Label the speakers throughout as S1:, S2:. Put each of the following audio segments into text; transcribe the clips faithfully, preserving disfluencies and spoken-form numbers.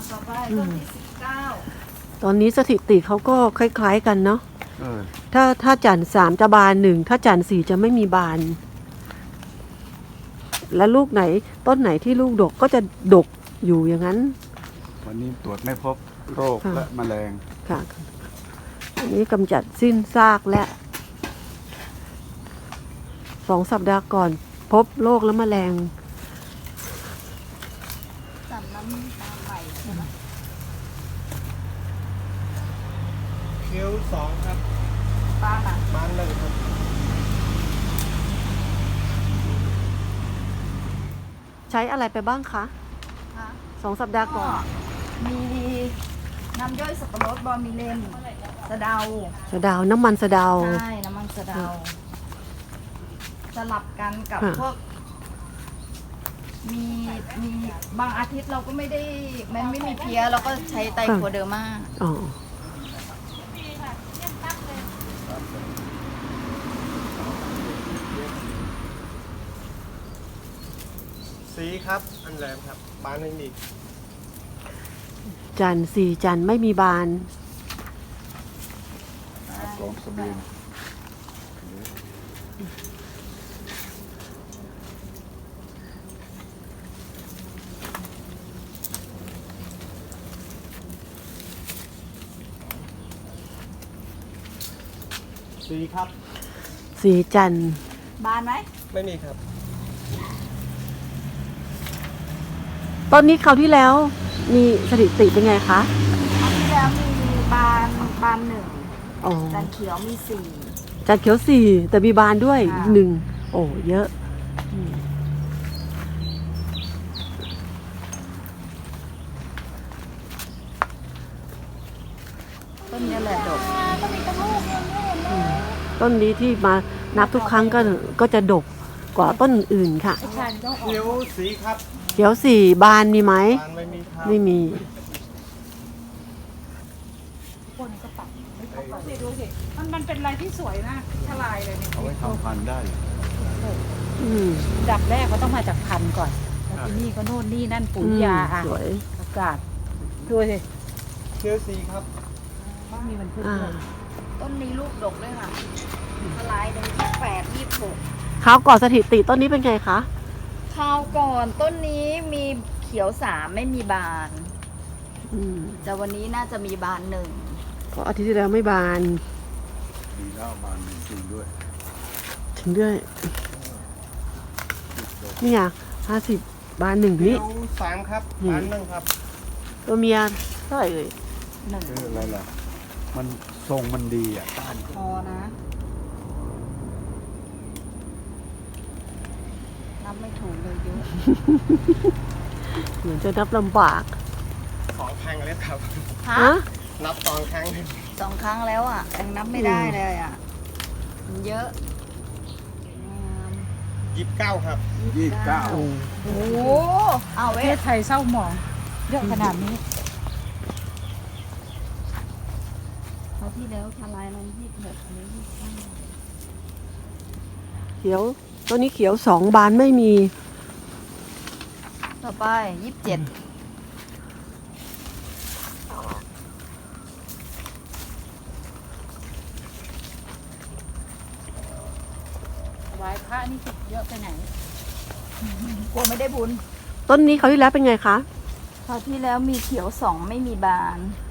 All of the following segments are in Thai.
S1: ต่อไปต้นที่สิบเก้า
S2: ตอนนี้สถิติเขาก็คล้ายๆกันเนาะ
S3: เออ
S2: ถ้าถ้าจันทร์สามจะบานหนึ่งถ้าจันทร์สี่จะไม่มีบาน และลูกไหนต้นไหนที่ลูกดกก็จะดกอยู่อย่างนั้น
S3: วันนี้ตรวจไม่พบโรค
S2: ค่ะ
S3: และแมลง
S2: ค่ะ อันนี้กำจัดสิ้นซากและสองสัปดาห์ก่อนพบโรคและแมลง
S1: สามน้ำตาลใหม่ใช่ไหม
S4: คิ้วสองครับ
S1: บ้านอ่ะ
S4: บานหนึ่งครับ
S2: ใช้อะไรไปบ้างคะ
S1: คะ
S2: สองสัปดาห์ก่อน
S1: มีน้ำย่อยสับปะรดบอมิเลนสะเดา
S2: สะเดาวน้ำมันสะเดาว
S1: ใช่น้ำมันสะเดา สลับกันกับ
S2: ค่ะ
S1: พวก มีมีบางอาทิตย์เราก็ไม่ได้มันไม่มีเพี้ยเราก็ใช้ไตรโคเดอร์มา
S2: อ๋อ
S4: สีครับ อันแรมครับ บานไม่มี
S2: จันทร์สี่จันทร์ไม่มีบาน
S3: หาสองสบีน
S4: สีครับ
S2: สี่จันทร์
S1: บานไหม
S4: ไม่มีครับ
S2: ต้นนี้คราวที่แล้วมีสถิติเป็นไงคะ
S1: คราวที่แล้วมีบานบานหนึ่ง
S2: อ๋อ
S1: จันเขียวมีสี่
S2: จันทร์เขียวสี่แต่มีบานด้วย
S1: ค่ะ
S2: หนึ่งโอ้เยอะ
S1: ต้นนี้แหละดก
S2: ต้นนี้ที่มานับทุกครั้งก็ก็จะดกกว่าต้นอื่นค่ะ
S4: คิ้วสีครับ
S2: เขียวสี่บานมีไหม
S4: บานไม่มีครับ
S2: ไม่มี
S5: นี่ดูสิ มันมันเป็นอะไรที่สวยนะทลายเลยเนี่ย
S3: เอาไว้ทำพันธุ์ได้
S2: อืม
S5: ดับแรกก็ต้องมาจากพันธุ์ก่อน แล้วที่นี่ก็โน่นนี่นั่นปุ๋ยยาอ่ะ
S2: สวย
S5: อากาศ ดูสิ
S4: คิ้วสีครับ
S5: ต้องมีมันพึ่ง
S2: อ่า
S5: ด้วย
S1: ต้นนี้ลูกดกเลยค่ะทลายเลยยี่แปดยี่หก
S2: คราวก่อนสถิติต้นนี้เป็นไงคะ
S1: คราวก่อนต้นนี้มีเขียวสามไม่มีบาน
S2: อืม
S1: แต่วันนี้น่าจะมีบานหนึ่ง
S2: เพราะอาทิตย์ที่แล้วไม่บาน
S3: มีแล้วบานหนึ่งจริงด้วย
S2: ถึงด้วยนี่ไงห้าสิบบานหนึ่ง
S4: คิ้
S2: นี่
S4: วสามครับ
S2: อืม
S4: บานหนึ่งครับ
S2: ตัวเมียเท่าไหร่เอ่ย
S1: หนึ่ง
S3: คืออะไรล่ะ มันทรงมันดีอ่ะต้าน
S1: พอนะนับไม่ถูกเลยเยอะ
S2: เหมือนจะนับลำบาก
S4: สองครั้งแล้วครับ
S1: ฮะ
S2: ฮะ
S4: นับสองครั้ง
S1: สองครั้งแล้วอ่ะยังนับไม่ได้เลยอ่ะมันเยอะอืม
S4: ยี่สิบเก้าครับ
S3: ยี่สิบเก้า
S2: โอ้
S1: โอ้โหเอา
S5: ประ
S1: เว้
S5: เท
S1: ย
S5: ศไทยเศร้าหมองเยอะขนาดนี้
S1: คราวที่แล้วทลายมันยี่สิบหกอันนี้ยี่สิบเก้า
S2: เขียวตัวนี้เขียวสองบานไม่มี
S1: ต่อไปยี่สิบเจ็ด
S5: ไว้พระนี่เยอะไปไหน
S1: กลัวไม่ได้บุญ
S2: ต้นนี้คราวที่แล้วเป็นไงคะ
S1: คราวที่แล้วมีเขียวสองไม่มีบาน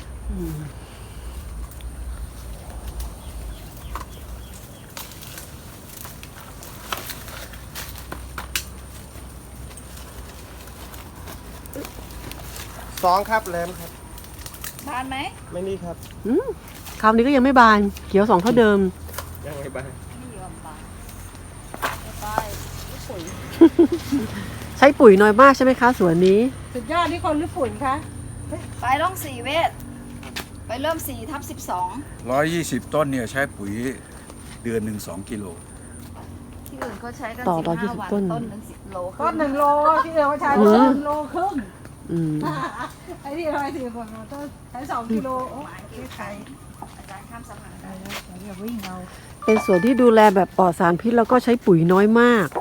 S4: สองครับแรมครับ
S1: บานไหม
S4: ไม่มีครับ
S2: อืมคราวนี้ก็ยังไม่บาน เขียวสองเท่าเดิม
S4: ยังไม่บาน
S1: ไม่ยอมบานต่อไปลูกปุ๋ย
S2: ใช้ปุ๋ยน้อยมากใช่ไหมคะสวนนี้
S5: สุดยอดนี่คนหรือฝุ่นคะ
S1: ไปร่องสี่เวทไปเริ่มสี่ทับสิบสอง
S3: ร้อยยี่สิบต้นเนี่ยใช้ปุ๋ยเดือนหนึ่งสองกิโล
S1: ที่อื่นเขาใช้กัน
S2: ต่อ
S1: สิบ
S2: ต่อยี่
S1: ห้า
S2: สิบ
S1: วัน
S2: ต้น
S1: ต้นหนึ่งสิบโล
S5: ต้นหนึ่งโลที่เอวใช้
S2: อืม
S5: ต้นหนึ่งโลครึ่ง
S2: อืม
S5: ไอ้ที่ทำไมสี่คนต้นใช้สองกิโลโอ้
S1: หมายที่ใครอาจารย์ข้ามสะพานได้
S5: อย่าวิ่งเอา
S2: เป็นสวนที่ดูแลแบบปลอดสารพิษแล้วก็ใช้ปุ๋ยน้อยมาก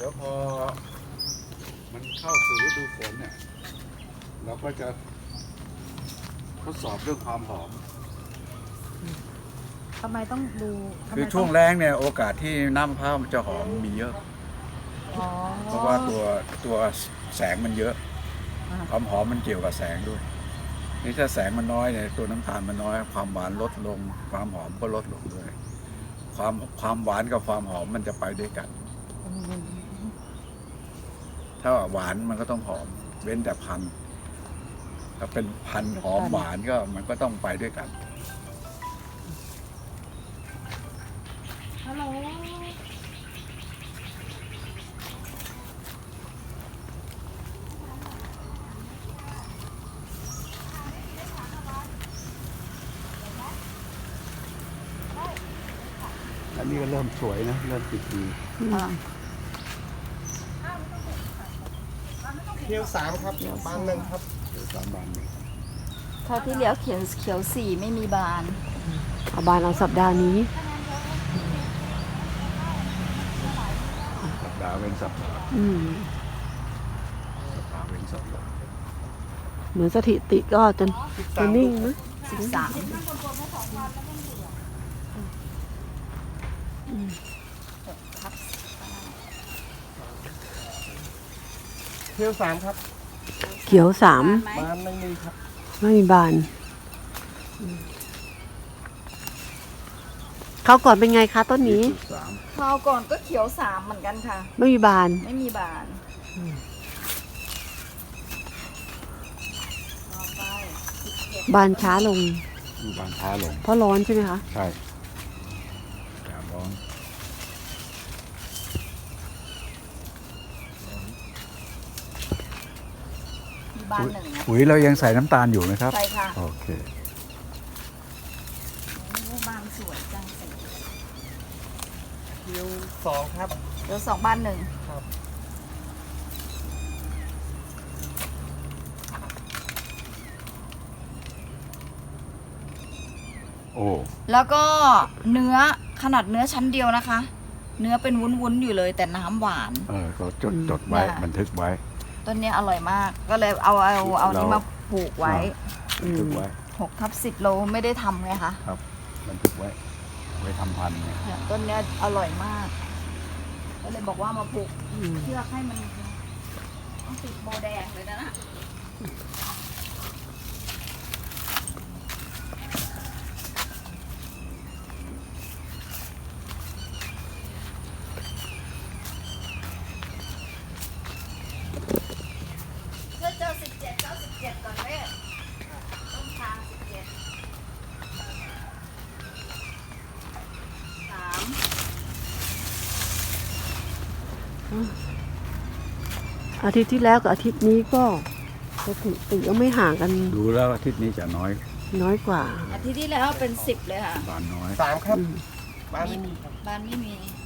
S3: แล้วพอมันเข้าสู่ฤดูฝนเนี่ยเราก็จะทดสอบเรื่องความหอม
S5: ทำไมต้องดูทำไม
S3: คือ
S5: ต้
S3: ช่วงแรงเนี่ยโอกาสที่น้ำมะพร้าวมันจะหอมมีเยอะ
S5: อ๋อ
S3: เพราะว่าตัวตัวแสงมันเยอะ
S5: อ่า
S3: ความหอมมันเกี่ยวกับแสงด้วย นี่ถ้าแสงมันน้อยเนี่ยตัวน้ำตาลมันน้อย ความหวานลดลง ความหอมก็ลดลงด้วย ความความหวานกับความหอมมันจะไปด้วยกัน ถ้าหวานมันก็ต้องหอม เว้นแต่พันธุ์ถ้าเป็นพันธุ์หอมหวานก็มันก็ต้องไปด้วยกัน
S5: ฮัลโหล
S3: อันนี้ก็เริ่มสวยนะ เริ่มติดดี
S4: เที่ยวสามครับบ้านหนึ่งครับ
S3: สามบานเนี่ย
S1: คราวที่แล้วเขียวเขียวสี่ไม่มีบาน
S2: เอาบานเอาสัปดาห์นี้
S3: สัปดาห์เว้นสัปดาห์
S2: อืม
S3: สัปดาห์เว้นสัปดาห์
S2: เหมือนสถิติก็จะจะนิ่งนะ
S1: สิบสาม
S4: เที่ยวสามครับ
S2: เขียวสาม
S1: ไหม
S4: บ้านไม่มีครับ
S2: ไม่มีบานเขาวก่อนเป็นไงคะต้นนี้
S3: จุดสาม
S1: คราวก่อนก็เขียวสามเหมือนกันค่ะ
S2: ไม่มีบาน
S1: ไม่มีบานต่อไปสิบเจ็ด
S2: บานช้าลง
S3: มีบานช้าลง
S2: เพราะร้อนใช่ไหมคะ
S3: ใช่อากาศร้อน
S1: มีบานหนึ่งนะ
S3: ปุ๋ยเรายังใส่น้ำตาลอยู่ไหมครับ
S1: ใช่ค่ะ
S3: โอเค
S1: โอ้บานสวยจังสิ
S4: เที่ยวสองครับ
S1: เดี๋ยวสองบานหนึ่ง
S4: ครับ
S3: โอ้
S1: แล้วก็เนื้อขนาดเนื้อชั้นเดียวนะคะ เนื้อเป็นวุ้นๆอยู่เลยแต่น้ำหวาน
S3: เออก็จดจดไว้
S1: เนี่ย
S3: บันทึกไว้
S1: ต้นเนี้ยอร่อยมาก ก็เลยเอาเอาเอานี้มาปลูกไว้
S3: บันทึกไว้
S1: หกทับสิบโลไม่ได้ทำไงคะ
S3: ครับ บันทึกไว้ ไว้ทำพันธุ์เนี่ย
S1: เนี่ยต้นเนี้ยอร่อยมาก ก็เลยบอกว่ามาปลูก
S2: อืม
S1: เพื่อให้มันต้องติดโบแดงเลยนะนะเพื่อเจอสิบเจ็ดเจ้าสิบเจ็ดก่อนเว้ยต้นทางสิบเจ็ดสาม
S2: อาทิตย์ที่แล้วกับอาทิตย์นี้ก็สถิติก็ไม่ห่างกัน
S3: ดูแล้วอาทิตย์นี้จะน้อย
S2: น้อยกว่า
S1: อาทิตย์ที่แล้วเป็นสิบเลยค่ะ
S3: บานน้อย
S4: สามครับ
S2: อืม
S4: บ้านไม่มีครับ
S1: บ้านไม่มี
S3: อ